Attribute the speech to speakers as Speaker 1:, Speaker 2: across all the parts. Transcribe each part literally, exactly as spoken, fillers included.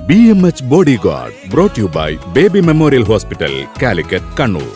Speaker 1: B M H bodyguard brought you by Baby Memorial Hospital, Calicut, Kannur.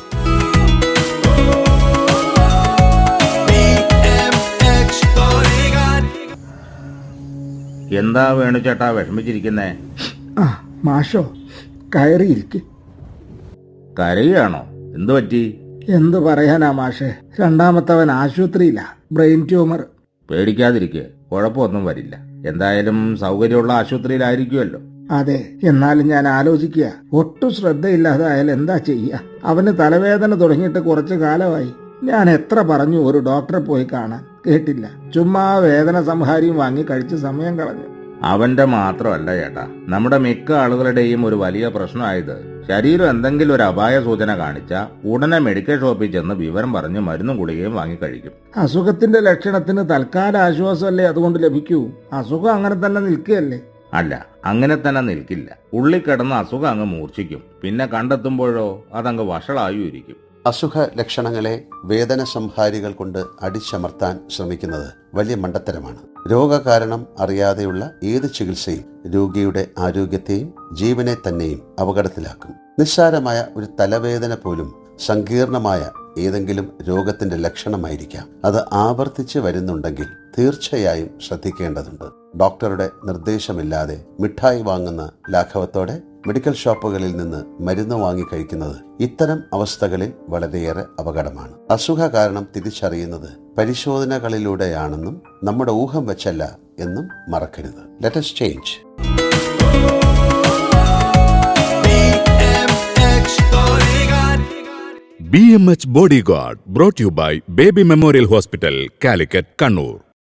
Speaker 2: എന്താ വേണുചേട്ടാ വിഷമിച്ചിരിക്കുന്നേ?
Speaker 3: ആ മാഷോ, കയറിയിരിക്ക്.
Speaker 2: കരയാണോ? എന്തു പറ്റി?
Speaker 3: എന്തു പറയാനാ മാഷേ, രണ്ടാമത്തവൻ ആശുപത്രിയിലാ, ബ്രെയിൻ ട്യൂമർ.
Speaker 2: പേടിക്കാതിരിക്കുക, കുഴപ്പമൊന്നും വരില്ല. എന്തായാലും സൗകര്യമുള്ള ആശുപത്രിയിലായിരിക്കുമല്ലോ.
Speaker 3: അതെ, എന്നാലും ഞാൻ ആലോചിക്കുക, ഒട്ടും ശ്രദ്ധയില്ലാതായാൽ എന്താ ചെയ്യുക? അവന് തലവേദന തുടങ്ങിയിട്ട് കുറച്ചു കാലമായി. ഞാൻ എത്ര പറഞ്ഞു ഒരു ഡോക്ടറെ പോയി കാണാൻ, കേട്ടില്ല. ചുമ്മാ വേദന സംഹാരിയും വാങ്ങി കഴിച്ച് സമയം കളഞ്ഞു.
Speaker 2: അവന്റെ മാത്രമല്ല ചേട്ടാ, നമ്മുടെ മിക്ക ആളുകളുടെയും ഒരു വലിയ പ്രശ്നമായത് ശരീരം എന്തെങ്കിലും ഒരു അപായ സൂചന കാണിച്ചാൽ ഉടനെ മെഡിക്കൽ ഷോപ്പിൽ ചെന്ന് വിവരം പറഞ്ഞ് മരുന്നും ഗുളികയും വാങ്ങിക്കഴിക്കും.
Speaker 3: അസുഖത്തിന്റെ ലക്ഷണത്തിന് തൽക്കാല ആശ്വാസമല്ലേ അതുകൊണ്ട് ലഭിക്കൂ? അസുഖം അങ്ങനെ തന്നെ നിൽക്കുകയല്ലേ?
Speaker 2: അല്ല, അങ്ങനെ തന്നെ നിൽക്കില്ല. ഉള്ളിൽ കിടന്ന് അസുഖം അങ്ങ് മൂർച്ഛിക്കും. പിന്നെ കണ്ടെത്തുമ്പോഴോ അതങ്ങ് വഷളായിരിക്കും.
Speaker 4: അസുഖ ലക്ഷണങ്ങളെ വേദന സംഹാരികൾ കൊണ്ട് അടിച്ചമർത്താൻ ശ്രമിക്കുന്നത് വലിയ മണ്ടത്തരമാണ്. രോഗകാരണം അറിയാതെയുള്ള ഏത് ചികിത്സയും രോഗിയുടെ ആരോഗ്യത്തെയും ജീവനെ തന്നെയും അപകടത്തിലാക്കും. നിസ്സാരമായ ഒരു തലവേദന പോലും സങ്കീർണമായ ഏതെങ്കിലും രോഗത്തിന്റെ ലക്ഷണമായിരിക്കാം. അത് ആവർത്തിച്ച് വരുന്നുണ്ടെങ്കിൽ തീർച്ചയായും ശ്രദ്ധിക്കേണ്ടതുണ്ട്. ഡോക്ടറുടെ നിർദ്ദേശമില്ലാതെ മിഠായി വാങ്ങുന്ന ലാഘവത്തോടെ മെഡിക്കൽ ഷോപ്പുകളിൽ നിന്ന് മരുന്ന് വാങ്ങി കഴിക്കുന്നത് ഇത്തരം അവസ്ഥകളിൽ വളരെയേറെ അപകടമാണ്. അസുഖ കാരണം തിരിച്ചറിയുന്നത് പരിശോധനകളിലൂടെയാണെന്നും നമ്മുടെ ഊഹം വെച്ചല്ല എന്നും മറക്കരുത്. Let us change.
Speaker 1: B M H bodyguard brought you by Baby Memorial Hospital, Calicut, Kannur.